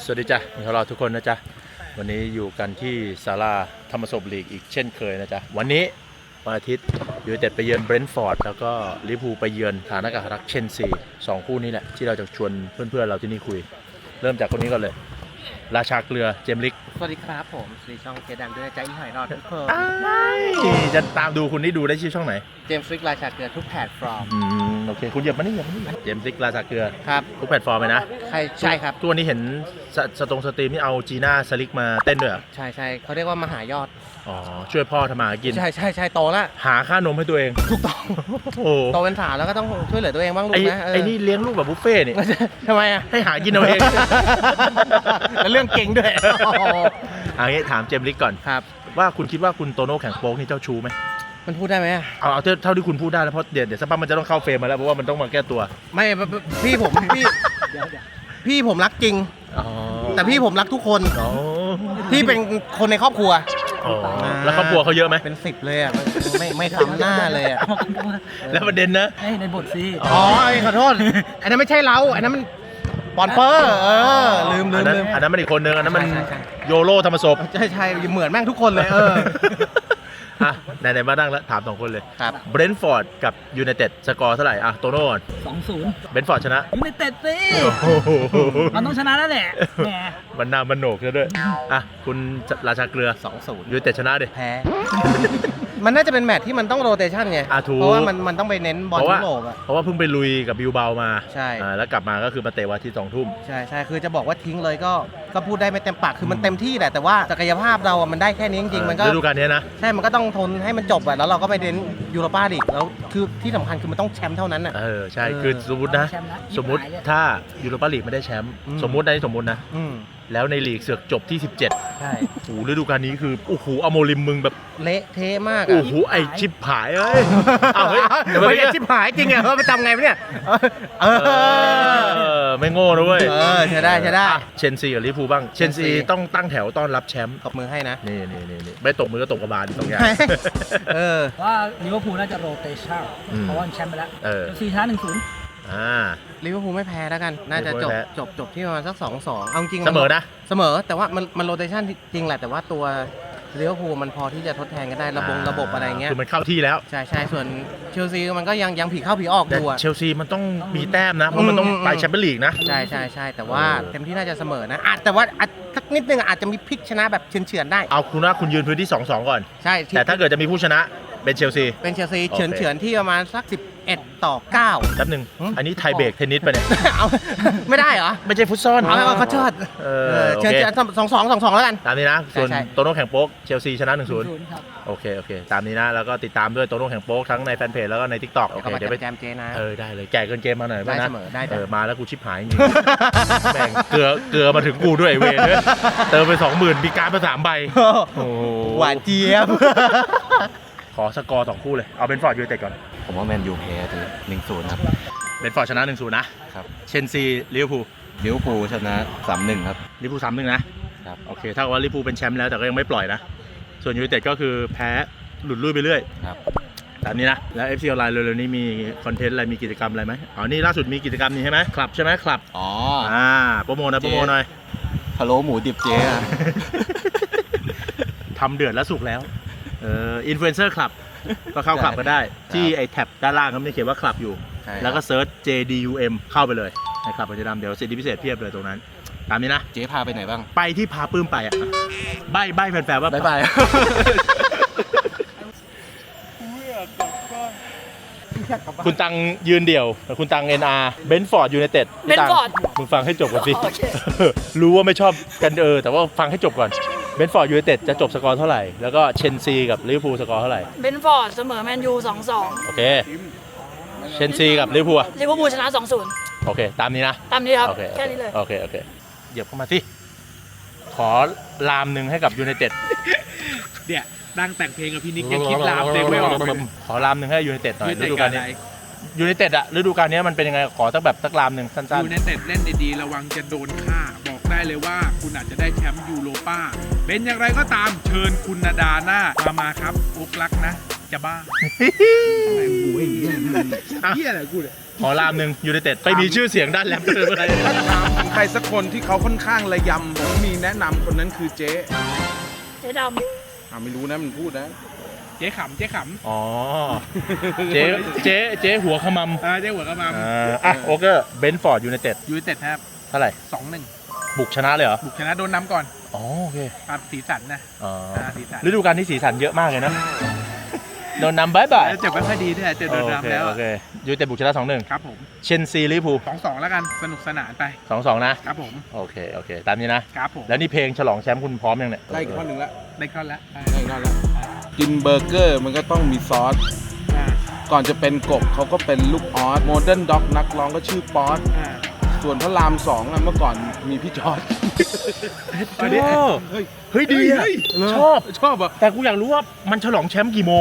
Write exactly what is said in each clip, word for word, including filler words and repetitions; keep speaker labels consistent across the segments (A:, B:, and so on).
A: สวัสดีจ้ะมีเราทุกคนนะจ๊ะวันนี้อยู่กันที่ศาลาธรรมศพลีกอีกเช่นเคยนะจ๊ะวันนี้วันอาทิตย์ยูไนเต็ดไปเยือนเบรนท์ฟอร์ดแล้วก็ลิเวอร์พูลไปเยือนฐานอากาศรักเชนซีสองคู่นี้แหละที่เราจะชวนเพื่อนๆเราที่นี่คุยเริ่มจากคนนี้ก่อนเลยราชาเกลือเจมส์ลิก
B: สวัสดีครับผมสวัสดีช่องเจดังด้วยใจอีหอยรอดทุกคน
A: จะตามดูคุณนี่ดูได้ชื่อช่องไหน
B: เจมส์ลิกราชาเกลือทุกแพลตฟอร์ม
A: อืมโอเคคุณเหยียบมานี่เหยียบมานี่เจมส์ลิกราชาเกลือ
B: ครับ
A: ทุกแพลตฟอร์มเลยนะ
B: ใช่ใช่ครับ
A: ตัวนี้เห็นสตรงสตรีมนี่เอาจีน่าสลิกมาเต้นด้วย
B: ใช่ใช่เขาเรียกว่ามหายอด
A: อ๋อช่วยพ่อทำมาหากิน
B: ใช่ใช่ใช่โตแล้ว
A: หาค่านมให้ตัวเอง
B: ถูกต้องโตเป็นสาวแล้วก็ต้องช่วยเหลือตัวเองบ้างลูกนะ
A: ไอ้นี่เลี้ยงลูกแบบบุฟเฟ่นี่
B: ทำไมอ่ะ
A: ให้หากินเอาเอง
B: แล้วเรื่องเก่งด้วย
A: อันนี้ถามเจมส์ลิกก่อน
B: ครับ
A: ว่าคุณคิดว่าคุณโตโน่แข่งโป๊กนี่เจ้าชู้ไหม
B: มันพูดได้ไหม
A: เอาเอาเท่าที่คุณพูดได้แล้วเพราะเดี๋ยวเดี๋ยวสักพักมันจะต้องเข้าเฟรมมาแล้วเพราะว่ามันต้องมาแก้ตัว
B: ไม่พี่ผมพี่พี่ผมรักจริงแต่พี่ผมรักทุกคนพี่เป็นคนในครอบครัว
A: แล้วครอบครัวเขาเยอะไหม
B: เป็นสิบเลยอ่ะไม่ไม่ทำหน้าเลยอ่ะ
A: แล้วประเด็นนะ
C: ในบทสิ
B: อ๋อขอโทษอันนั้นไม่ใช่เราอันนั้นมันปอนเปอร์เออลืมลืมลืม
A: อันนั้นมันอีกคนนึงอันนั้นมันโยโรธรรมศพ
B: ใช่ใช่เหมือนแม่งทุกคนเลยเออ
A: อ่ะไหนๆมาดังแล้วถามสองคนเลย
B: ครับ
A: เบรนท์ฟอร์ดกับยูไนเต็ดสกอร์เท่าไหร่อ่ะโตโน่ก่อน
C: สองศูนย์
A: เบรนท์ฟอร์ดชนะ
C: ยูไนเต็ดสิมันต้องชนะแล้วแหละแหม
A: มันนามันโหนกซะด้วยอ่ะคุณราชาเกลือ
B: สองศูนย์
A: ยูไนเต็ดชนะดิ
B: แพ้มันน่าจะเป็นแมตช์ที่มันต้องโรเตชันไงเพราะว่ามันมันต้องไปเน้นบอลยุโรปอ่ะ
A: เพราะว่าเพิ่งไปลุยกับบิลเบามา
B: ใช่
A: แล้วกลับมาก็คือมาเตะวันที่สองทุ่ม
B: ใช่ใช่คือจะบอกว่าทิ้งเลยก็ก็พูดได้ไม่เต็มปากคือมันเต็มที่แหละแต่ว่าศักยภาพเราอ่ะมันได้แค่นี้จริงๆมันก็
A: ฤดูกาลนี้นะ
B: ใช่มันก็ต้องทนให้มันจบอ่ะแล้วเราก็ไปเน้นยูโรปาลีกแล้วคือที่สำคัญคือมันต้องแชมป์เท่านั้นอ่ะ
A: เออใช่คือสมมตินะสมมติถ้ายูโรปาลีกไม่ได้แชมป์สมมติในสมมตินะแล้วในลีกเสือกจบที่สิบเจ็ด
B: ใช่
A: โอ้โหฤดูกาลนี้คือโอ้โหอโมริมมึงแบบ
B: เละเทะมาก
A: โอ้โหไอชิบหายเอ้ย
B: เอาเฮ้ยเฮ้ยชิบหายจริงเหรอไปทำไงเนี่ยเอ
A: อไม่โง่นะเว้ย
B: เออใช่ได้ใช่ได้
A: เชนซีกับลิเวอร์พูลบ้างเชนซีต้องตั้งแถวต้อนรับแชมป์
B: ตบมือให้นะ
A: นี่นี่นี่ไม่ตบมือก็ตบกระบาลสองอย่าง
B: เออ
C: ว่าลิเวอร์พูลน่าจะโรเตชั่นเพราะว่าแชมป์ไปแล้วเชลซีชนะหนึ่งศูนย์
A: อ่า
B: ลิเวอร์พูลไม่แพ้แล้วกันน่าจะจบจบจบที่ประมาณสักสองสองเอาจริง
A: เสมอนะ
B: เสมอแต่ว่ามันมันโรเตชันจริงแหละแต่ว่าตัวลิเวอร์พูลมันพอที่จะทดแทนกันได้ระบบระบบอะไรเงี้ย
A: คือมันเข้าที่แล้ว
B: ใช่ใช่ส่วนเชลซีมันก็ยังยังผีเข้าผีออกอยู่อะ
A: เชลซีมันต้องมีแต้มนะเพราะมันต้องไปแชมเปี้ยนลีกนะ
B: ใช่ใช่ใช่แต่ว่าเต็มที่น่าจะเสมอนะอาจแต่ว่าสักนิดนึงอาจจะมีพลิกชนะแบบเฉือนๆได้
A: เอาคุณว่าคุณยืนพื้นที่ สองสอง ก่อน
B: ใช่
A: แต่ถ้าเกิดจะมีผู้ชนะเป็นเชลซี
B: เป็นเชลซีเฉือนเฉือนที่ประมาณสักสิบเอ็ดต่อเก้า
A: แป๊บนึงอันนี้ไทยเบรกเทนนิสไปเนี่ย
B: เอาไม่ได้เหรอ
A: ไม่ใช่ฟุตซอล
B: เอาเขาเชิดเชิญสองสองสองสองแล้วกัน
A: ตามนี้นะส่วนโตโน่แข่งโป๊กเชลซีชนะหนึ่งศูนย์โอเคโอเคตามนี้นะแล้วก็ติดตามด้วยโตโน่แข่งโป๊กทั้งในแฟนเพจแล้วก็ใน ทิกต็อก โอเค
B: เดี๋ยวไปแจมเจนะ
A: เออได้เลยแก่เกินเกมมาหน่อย
B: ได้เสมอได้
A: เออมาแล้วกูชิบหายจริงแม่งเกลือเกลือมาถึงกูด้วยเวรเนี่ยเติมไปสองหมื่นมีการมาสามใบ
B: โอ้หวานเจี๊ยบ
A: ขอสกอร์สองคู่เลยเอาเบนฟอร์ดยูไนเต็ดก่อน
D: ผมว่าแมนยูแพ้เลยหนึ่งศูนย์ครับ
A: เบนฟอร์ดชนะหนึ่งศูนย์นะครับเชนซีลิเวอร์พูล
D: ลิเวอร์พูลชนะสามหนึ่งครับ
A: ลิเวอร์พูลสามหนึ่งนะครับโอเคถ้าว่าลิเวอร์พูลเป็นแชมป์แล้วแต่ก็ยังไม่ปล่อยนะส่วนยูไนเต็ดก็คือแพ้หลุดลุ่ยไปเรื่อย
D: ครับ
A: ตามนี้นะแล้ว เอฟ ซี ออนไลน์เร็วๆนี้มีคอนเทนต์อะไรมีกิจกรรมอะไรไหมอ๋อนี่ล่าสุดมีกิจกรรมนี้ใช่ไหมคลับใช่ไหมคลับ
D: อ๋อ
A: อ่าโปรโมทนะโปรโมทหน่อย
D: พะโล้หมูดิบเจ๊
A: ทำเดือดแล้วสุกแล้วเอออินฟลูเอนเซอร์คลับก็เข้าคลับก็ได้ที่ไอแท็บด้านล่างเขาไม่เขียนว่าคลับอยู่แล้วก็เซิร์ช เจ ดี ยู เอ็ม เข้าไปเลยในคลับปัจจุบันเดี๋ยวสิทธิพิเศษเพียบเลยตรงนั้นตามนี้นะ
D: เจ๊พาไปไหนบ้าง
A: ไปที่พาปื้มไปอ่ะใบใบแฟนๆว่า
D: ไปไป
A: คุณตังยืนเดี่ยวคุณตัง เอ็น อาร์ เบนฟอร์ดยูไนเต็ด
C: เบนฟอร์ด
A: มึงฟังให้จบก่อนสิรู้ว่าไม่ชอบกันเออแต่ว่าฟังให้จบก่อนเบนฟอร์ดยูไนเต็ดจะจบสกอร์เท่าไหร่แล้วก็เชนซีกับลิเวอร์พูลสกอร์เท่าไหร่
C: เบนฟอร์ดเสมอแมนยูสองสอง
A: โอเคเชนซีกับลิเวอร์พูล
C: ลิเวอร์พูลชนะสองศูนย์
A: โอเคตามนี้นะ
C: ตามนี้ครับแค่นี้เลย
A: โอเคโอเคเหยียบเข้ามาสิขอลามหนึ่งให้กับยูไนเต็ด
E: เนี่ยดังแต่งเพลงกับพี่นิกยังคิดลามเพลงไม่ออก
A: ขอลามหนึ่งให้ยูไนเต็ดหน่อยฤดูกาลนี้ยูไนเต็ดอะฤดูกาลนี้มันเป็นยังไงขอสักแบบสักลามหนึ่งสั้นๆ
E: ยูไนเต็ดเล่นดีๆระวังจะโดนฆ่าบอกได้เลยว่าคุณอาจจะได้แชมป์ยูโรป้าเป็นอย่างไรก็ตามเชิญคุณนาดาหน้ามามาครับอุกลักนะจะบ้าอะไรกูไอ้เหี้ยเหี้ยอะไรกูเนี่ย
A: ขอลามหนึ่งยูไนเต็ดไปมีชื่อเสียงด้านแรปเลย
E: ใครสักคนที่เขาค่อนข้างระยำผมมีแนะนำคนนั้นคือเจ๊
C: เจ๊ด
E: อ่าไม่รู้นะมันพูดนะ เจ๊ขำเจ๊ข
A: อ๋อ เจ๊ เจ๊ เจ๊หัวขม
E: ำอ่าเจ๊หัวกระมัง
A: ำอ่าอ่ะโอเกอร์เบนฟอร์ดยูไนเต็ด
E: ยูไนเต็ดครับ
A: เท่าไหร่
E: สองหนึ่ง
A: บุกชนะเลยเหรอ
E: บุกชนะโดนน้ำก่อน
A: อ๋อโอเค
E: ตัดสีสันนะ
A: อ๋อ
E: อ่าสีสัน
A: ฤดูกาลที่สีสันเยอะมากเลยนะ โดนนำบายบาย
E: เจ็บไม่ค่อยดีด้วยเจอโดน
A: โอเค
E: น้ำแล้ว
A: โอเคยูไนเต็ดบุกชนะสองหนึ่ง
E: ครับผม
A: เชนซีลิเวอร์พูล
E: สองสองแล้วกันสนุกสนานไป
A: สองสองนะ
E: ครับผม
A: โอเค โอเค ตามนี้นะ
E: ครับผม
A: แล้วนี่เพลงฉลองแชมป์คุณพร้อมยังเนี่ย
E: ได้อีกข้อหนึ่งแล้วได้ข้อแล้ว
F: ได้นอนแล้วกินเบอร์เกอร์มันก็ต้องมีซอส
E: อ่า
F: ก่อนจะเป็นกบเขาก็เป็นลูกออสโมเดิร์นด็อกนักร้องก็ชื่อป๊อต
E: อ่า
F: ส่วนพระรามสองอะเมื่อก่อนมีพี่จอร์ด
E: อันนี้
A: เฮ้ย เฮ้ยดีอะ
E: เฮ้ย
A: ชอบ
E: ชอบอ่ะ
A: แต่กูอยากรู้ว่ามันฉลองแชมป์กี่โมง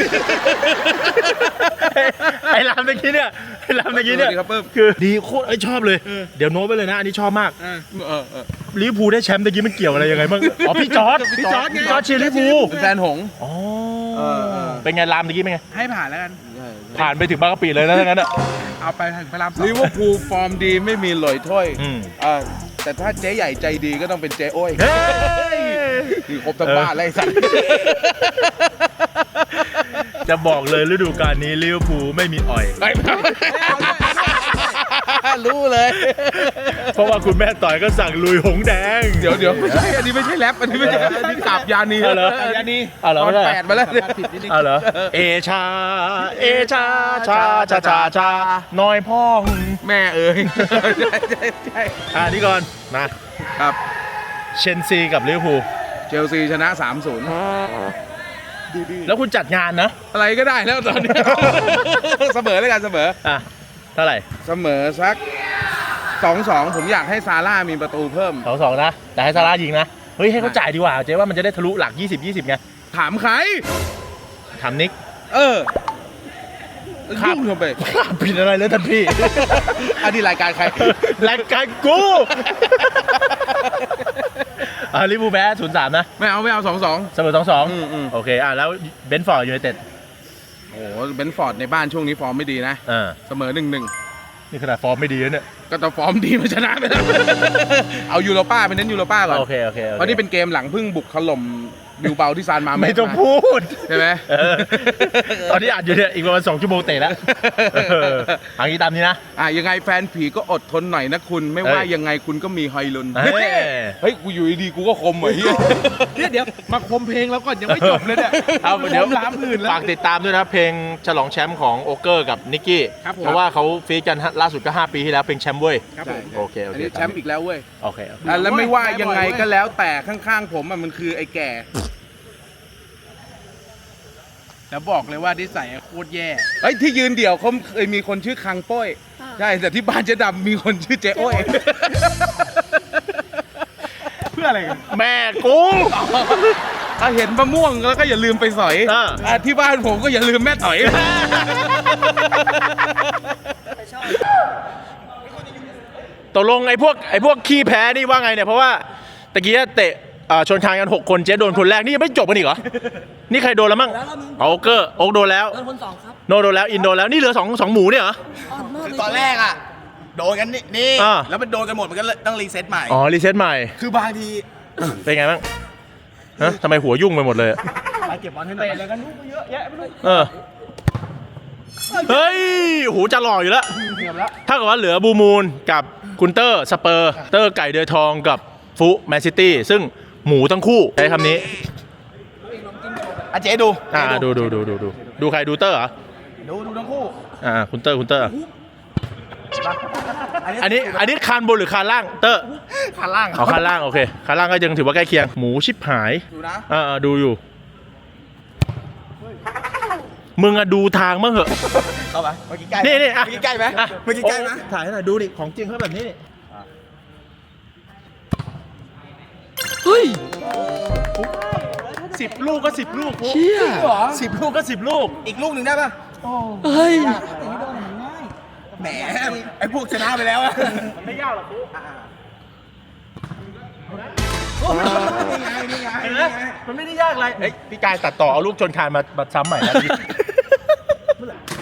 A: ไอ้รามเมื่อกี้เนี่ยไอ้รามเมื่อกี้เนี่ย
F: สวัสดีครับเปิ้ม
A: คือดีโคตรไอ้ยชอบเลย เดี๋ยวโน้ตไปเลยนะ อันนี้ชอบมาก
E: อ่า
F: เออเออ
A: ลิเวอร์พูลได้แชมป์ตะกี้มันเกี่ยวอะไรยังไงบ้าง อ๋อพี่จอร์ด
E: พี่จอร์จไง
A: พี่จอร์ดเชียร์ลิเวอร์พูล
F: เป็นแฟนหงส์
A: อ๋อ
F: เออเออ
A: เป็นไงรามตะกี้เป็นไง
E: ให้ผ่านแล้วกัน
F: ใช่
A: ผ่านไปถึงบางกะปิเลยนะทั้งนั้นอ่ะ
E: เอาไปถึงพระรามสอง
F: ลิเวอร์พูลฟอร์มดีไม่มีหลอยถ้วย
A: อืม
F: อ่าแต่ถ้าเจ๊ใหญ่ใจดีก็ต้องเป็นเจ๊โอ้ย
A: เฮ้ย
F: นี่ครบทั้งบ้านเลยไอ้สัตว์
A: จะบอกเลยฤดูกาลนี้ลิเวอร์พูลไม่มีอ่อย
F: รู้เลย
A: เพราะว่าคุณแม่ต่อยก็สั่งลุยหงแดง
F: เดี๋ยวเดี๋ยวไม่ใช่อันนี้ไม่ใช่แรปอันนี้ไม่ใช่อันนี้กราบยานี
A: เอาเหรอ
F: ยานี
A: เอาเหรอ
F: ตอนแปดมาแล้วเนี่ย
A: เอาเหรอ เอชา เอชา ชา ชา ชา ชา น้อยพ่อง
F: แม่เอ๋ยใช่ใช่ใช่
A: อ่านี่ก่อน มา
F: ครับ
A: เชนซีกับลิเวอร์พูล
F: เชลซีชนะ สามศูนย์
A: แล้วคุณจัดงานนะ
F: อะไรก็ได้แล้วตอนนี้ เสมอแล้วกันเสมอ
A: อ่ะ เท่าไหร่
F: เสมอสัก สองสอง ผมอยากให้ซาร่ามีประตูเพิ่ม
A: สองสองนะ แต่ให้ซาร่ายิงนะ เฮ้ย ให้เขาจ่ายดีกว่า เจ๊ว่ามันจะได้ทะลุหลัก ยี่สิบ ยี่สิบไง
F: ถามใคร
A: ถามนิก
F: เออ
A: ครับ
F: ยุ่งทำไป
A: ผิดอะไรเลยท่านพี่
F: อันนี้รายการใคร
A: รายการกูอ่าลิเวอร์พูลแพ้ศูนย์สามนะ
F: ไม่เอาไม่เอาสองสอง
A: เสมอสองสอง
F: อืมอืม
A: โอเค อ่ะ แล้วเบนฟอร์ดยูไนเต็ด
F: โอ้โหเบนฟอร์ดในบ้านช่วงนี้ฟอร์มไม่ดีนะ
A: อ่า
F: เสมอหนึ่งหนึ่ง
A: นี่ขนาดฟอร์มไม่ดีแล้วเนี่ย
F: ก็ต้องฟอร์มดีมาชนะไปแล้ว เอายูโรป้าไปเน้นยูโรป้าก่อน
A: โอเค โอเคโอค
F: เพราะนี่เป็นเกมหลังเพิ่งบุกถล่มบิวเบาที่ซานมาเส
A: ไม่ต้องพูด
F: ใช่ไหม
A: เออตอนที่อัดอยู่เนี่ย อีกประมาณสองชั่วโมงเตะแล้วเออเอันนี้ตามนี้นะ
F: อ่ะยังไงแฟนผีก็อดทนหน่อยนะคุณ ไม่ว่า
A: เอ้ย
F: ยังไงคุณก็มีฮอยลุน
A: เฮ้ย
F: เฮ้ย กูอยู่ดีๆกูก็คมเหมือนเฮีย
E: เนี่ยเดี๋ยวมาคมเพลงแล้วก่อนยังไม่จบเลยเนี่ย
A: เอาเดี๋ยว
E: ล้ามอื่นแล้ว
A: ฝากติดตามด้วยนะเพลงฉลองแชมป์ของโอเกอร์กับนิกกี้
E: ครับผม
A: เพราะว่าเขาฟีดกันล่าสุดก็ห้าปีที่แล้วเพลงแชมป์เว้ย
E: ครับผม
A: โอเคโอ
F: อัน
A: เค
F: นี้แชมป์อีกแล้วเว้ย
A: โอเคโอเค
F: อ่ะแล้วไม่ว่ายังไงก็แล้วแต่ข้างๆผมอ่ะมันคือไอ้แก่
E: แล้วบอกเลยว่านิสัยโคตรแย่
F: เฮ้ยที่ยืนเดี่ยวเขาเคยมีคนชื่อคังโป้ยใช่แต่ที่บ้านเจ๊ดำมีคนชื่อเจ๊โอ้ย
E: เพื่ออะไรกัน
A: แม่กู
F: ถ้าเห็นมะม่วงแล้วก็อย่าลืมไปสอย
A: อ่า
F: อ่ะที่บ้านผมก็อย่าลืมแม่ต่อย
A: ตกลงไอ้พวกไอ้พวกขี้แพ้นี่ว่าไงเนี่ยเพราะว่าตะกี้เตะเอ่อชนคานกันหกคนเจ๊โดนคนแรกนี่ยังไม่จบกันอีกเหรอ นี่ใครโดนแล้วมั่ง
C: แล้วเรามึง
A: เอาโอเกอร์โอ๊กโดนแล้ว
C: โดนคนสองครับ
A: โนโดนแล้วอินโดนแล้วนี่เหลือสองสองหมูเนี่ยเหรอ
C: อ่อนมากเลย
B: ตอนแรกอ่ะ โดนกันนี่นี่
A: อ่า
B: แล้วมันโดนกันหมดมันก็เลยต้องรีเซ็ตใหม่
A: อ๋อรีเซ็ตใหม่
B: คือบางที
A: เป็นไงบ้างฮะทำไมหัวยุ่งไปหมดเลยอะ
B: ไปเก็บบอลให้หน่อยแล้วกันนุ๊กเยอะแยะไม่รู้
A: เออเฮ้ยหูจะหล่ออยู่แล้วถ้ากับว่าเหลือบูมูลกับคุณเตอร์สเปอร์เตอร์ไก่เดือยทองกับฟุแมนซิตี้ซึ่งหมูทั้งคู่ใช้คำนี้
B: อ่ะเจ๊ดู
A: อ่าดูดูดูดูดูดูใครดูเตอร์เหรอ
B: ดูดูทั้งคู่
A: อ่าคุณเตอร์คุณเตอร์อันนี้อันนี้คานบนหรือคานล่างเตอร์
B: ขาล่าง
A: เอาคานล่างโอเคคานล่างก็ยังถือว่าใกล้เคียงหมูชิบหาย
B: ดูนะ
A: อ่าดูอยู่มึงอะดูทางมั้งเหอะ
B: เข้าไปเมื่อกี้ใกล้
A: นี่นี่อ่ะ
B: เมื่อกี้ใกล้ไหม
A: อ่ะ
B: เมื่อกี้ใกล้ไหม
A: ถ่ายให้หน่อยดูดิของจริงเขาแบบนี้นี่
C: เฮ้ย
A: สิบลูกก็สิบลูก
C: เชี่ย
A: สิบลูกก็สิบลูก
B: อีกลูกหนึ่งได้ป่ะ
C: เฮ้ย
B: แหมไอ้พวกชนะไปแล้วอะ
A: มันไม่ยากหรอกกู
B: นี่ไงนี่ไง
A: เห็นไหมมันไม่ได้ยากอะไรเอ้ยพี่กายตัดต่อเอาลูกชนคานมามาซ้ำใหม่นะพี่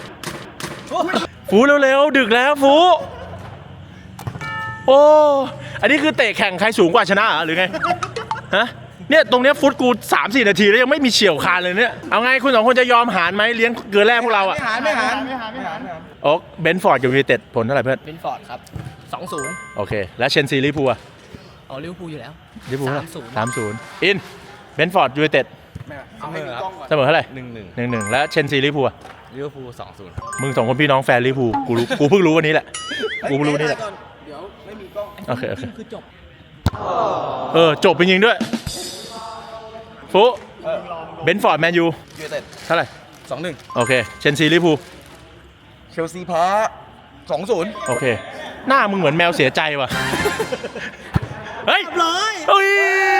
A: ฟูเร็วๆดึกแล้วฟูโอ้อันนี้คือเตะแข่งใครสูงกว่าชนะเหรอหรือไงฮะเนี่ยตรงเนี้ยฟุตกูสามสี่นาทีแล้วยังไม่มีเฉี่ยวคานเลยเนี่ยเอาไงคุณสองคนจะยอมหารไหมเลี้ยงเกลือแร่พวกเราอ่ะ
B: ไม่หารไม่หารไม่หารไม่หาร
A: โอ๊กเบนฟอร์ดกับยูไนเต็ดผลเท่าไหร่เพื่อน
C: เป็นฟอร์ดครับสองศูนย์
A: โอเคแล้วเชนซีลิเวอร์พูลอะ
C: เอาลิเวอร์พูลอยู่แล้ว
A: ลิเวอร์พูล
C: สามศูนย์
A: สามศูนย์อินเบนฟอร์ดยูไนเต็ด
F: เอาให้มีกล้องก่อน
A: เสมอเท่าไหร่
D: หนึ่งหนึ่ง
A: หนึ่งหนึ่งแล้วเชนซีลิเวอร์พูลอะ
D: ลิเวอร์พูลสองศูนย์
A: มึงสองคนพี่น้องแฟนลิเวอร์พูลกูรู้กูเพิ่งรู้วันนี้แหละกูเพิ่งรู้วันนี้แหละ
F: เดี๋ยวไม่มีกล้อง
A: โอเคโอเค
C: คือจบ
A: เออจบเป็นยิงด้วยฟุเบนฟอร์ดแมนยู
F: ยูไนเต็ด
A: เท่าไหร่
F: สองหนึ่ง
A: โอเคเชนซีลิเวอร์พูล
F: เชลซีแพ้สองศูนย์
A: โอเคหน้ามึงเหมือนแมวเสียใจว่ะเฮ้ยเลยเฮ้ย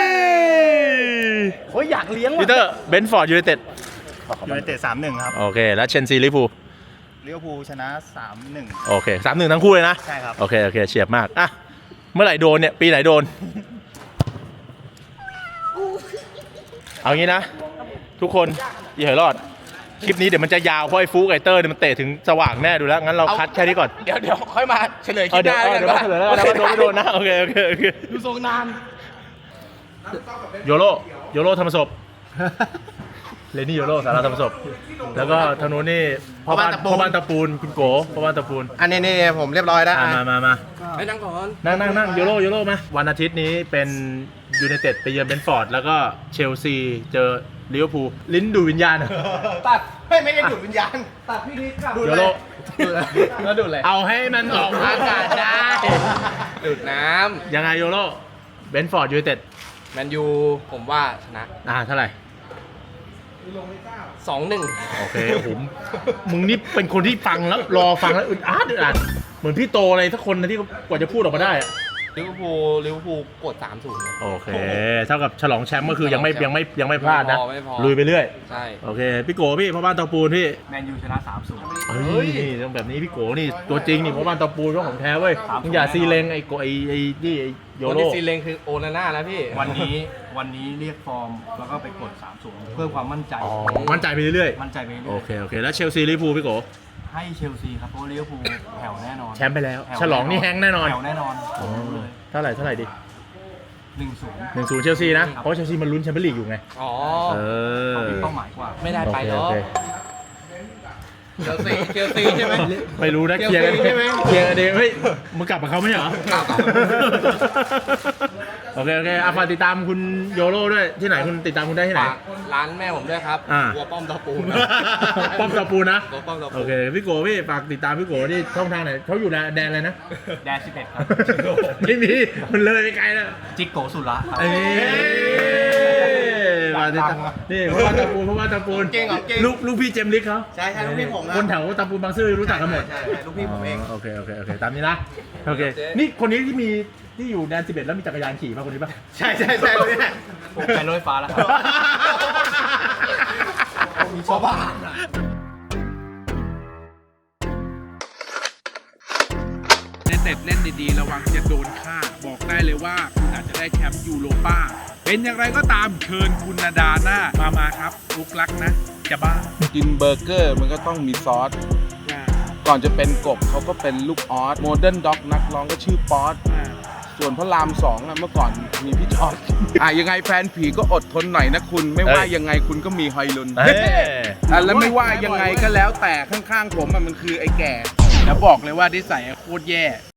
B: โอ้ยอยากเลี้ยง
A: พีเตอร์เบนฟอร์ดยูไนเต็ด
G: ยูไนเต็ดสามหนึ่งครับ
A: โอเคแล้วเชนซีลิเวอร์พูล
G: ลิเวอร์พูลชนะสามหนึ่ง
A: โอเคสามหนึ่งทั้งคู่เลยนะ
G: ใช่ครับ
A: โอเคโอเคเฉียบมากอ่ะเมื่อไหร่โดนเนี่ยปีไหนโดน เอางี้นะ ทุกคนอย่าเหยรอดคลิปนี้เดี๋ยวมันจะยาวเพราะไอ้ฟูกไอเตอร์เนี่ยมันเตะถึงสว่างแน่ดูแล้วงั้นเราคัดแค่นี้ก่อน
F: เดี๋ยวเดี๋ยวค่อยมาเฉลยค
A: เอ
F: ลิ
A: อ
F: ป
A: เดี๋ยว
F: หน้า
A: เออ
F: แล้ว
A: เดี๋ยว
F: กั
A: มาน เฉลยแล้วกันนะว่าโดนไม่โดนนะโอเคโอเคโอเค
F: ดูทรงนาน
A: โยโรโยโรธรรมศพเลนี่โยโรสาราธรรมศพแล้วก็ทางนู้นนี่พ่อบ้านพ่อบ้านตะปูนคุณโกพ่อบ้านตะปูน
B: อันนี้นี่ผมเรียบร้อยแล้ว
A: อ่ะมามามา
F: ไปนั่งก่อน
A: นั่งนั่งนั่งโยโรโยโรมาวันอาทิตย์นี้เป็นยูไนเต็ดไปเยือนเบนฟอร์ดแล้วก็เชลซีเจอลิเวอร์พูลลิ้นดูดวิญญาณ
B: ตัดไม่ไม่ได้ดูดวิญญาณตัดพี่นิดครับ
A: โยโร
F: แล้วดูดอะไร
A: เอาให้มันออกอากาศได้
F: ดูดน้
A: ยังไงโยโรเบนฟอร์ดยูไนเต็ด
F: ำแมนยูผมว่าชนะ
A: อ่าเท่าไหร่
F: สองหนึ่ง
A: โอเคผมมึงนี่เป็นคนที่ฟังแล้วรอฟังแล้วอึดอัดอึดอัดเหมือนพี่โตอะไรสักคนนะที่กว่าจะพูดออกมาได้อะ
F: ลิเวอร์พูลลิเวอร์พูลกดสามศูนย์
A: โอเคเท่ากับฉลองแชมป์ก็คือยังไม่ยังไม่ยังไม่พลาดนะ
F: ไม่พอไม่พอ
A: ลุยไปเรื่อย
F: ใช่
A: โอเคพี่โกพี่พ่อบ้านเตาปูนพี่
G: แมนยูชนะสามศูนย์
A: เฮ้ยนี่ต้องแบบนี้พี่โกนี่ตัวจริงนี่พ่อบ้านเตาปูนเจ้าของแท้เว้ยมึงอย่าซีเลงไอ้โกไอ้ไอ้นี่ไอ้โย
F: คน
A: โร
F: ที่ซีเลงคือโอนาน่านะพี่
G: วันนี้วันนี้เรียกฟอร์มแล้วก็ไปกดสามศูนย์เพื่อความมั่นใจ
A: อ๋อมั่นใจไปเรื่อย
G: มั่นใจไป
A: ๆ
G: เรื่
A: โอ
G: อย
A: เคโอเคแล้วเชลซีลิเวอร์พูลพี่โก
G: ให้เชลซีครับเพราะว่าลิเวอร์พูลแผ่วแน่นอน
A: แชมป์ไปแล้ว
G: ผ่ว
A: ฉลองนี่แฮงแน่นอน
G: แผ่วแน่นอน
A: อ๋อ
G: เลย
A: เท่าไหร่เท่าไหร่ดิ
G: หนึ่งศูนย์
A: หนึ่งศูนย์เชลซีนะเพราะเชลซีมันลุ้นแชมเปี้ยนลีกอยู่ไง
F: อ๋อ
A: เออ
G: มีเป้าหมายกว่า
F: ไม่ได้ไป
A: โอ
F: เนาะ
A: เค
F: เชลซีเชลซีใช่ไหม
A: ไม่รู้นะเคลียร์กัน
F: เชลซีใช่ไหม
A: เคลียร์กันเองเฮ้ยมึงกลับกับเขาไม่ใช่เหรอ
F: กลับ
A: โอเคโอเคอ่ะฝากติดตามคุณโยโร่ด้วยที่ไหนคุณติดตามคุณได้ที่ไหน
F: ฝากร้านแม่ผมด้วยครับ
A: อ่า
F: วัวป้อมตะปู
A: ป้อมตะปูนะ
F: วัวป้อมตะปู
A: โอเคพี่โกพี่ฝากติดตามพี่โกที่ช่องทางไหนเขาอยู่แดนอะไรนะ
G: แดนสิบเอ็ดครับ
A: ไม่มีมันเลยไปไกลแล้ว
G: จิกโกสุระครับ
A: เอ้ยมาติดตามนี่เพราะว่าตะปูเพราะว่าตะปู
B: เก่งเหรอเก่ง
A: ลูกลูกพี่เจมส์ลิกเขา
B: ใช่ใช่ลูกพี่ผมนะ
A: คนแถวตะปูบางซื่อรู้จักกันหมด
B: ใช่ใช่ลูกพี่ผมเอง
A: โอเคโอเคโอเคตามนี้นะโอเคนี่คนนี้ที่มีที่อยู่แดนสิบเอ็ดแล้วมีจักรยานขี่ป่ะคนนี้ป่ะ
B: ใช่ใช่ใช่เลยเนี่ย
G: ผมไปรถไฟฟ้าแล้วครับ
B: มีชาวบ้าน
E: เล่นเต็ดเล่นดีๆระวังจะโดนฆ่า บอกได้เลยว่าคุณอาจจะได้แชมป์ยูโรป้า เป็นอย่างไรก็ตามเชิญคุณนาดาหน้ามามาครับลุกลักนะ จะบ้า
F: กินเบอร์เกอร์มันก็ต้องมีซอส
E: อ่า
F: ก่อนจะเป็นกบเขาก็เป็นลูกออสโมเดิร์นด็อกนักร้องก็ชื่อป๊อต
E: อ่า
F: ส่วนพระรามสองอะเมื่อก่อนมีพี่จอร์ด อ่ะยังไงแฟนผีก็อดทนหน่อยนะคุณ ไม่ว่า
A: เอ้ย
F: ยังไงคุณก็มีฮอยลุน
A: เอ้ย
F: อ่ะแล้วไม่ว่ายังไงก็แล้วแต่ข้างๆผมอะมันคือไอ้แก่ แล้วบอกเลยว่านิสัยอะโคตรแย่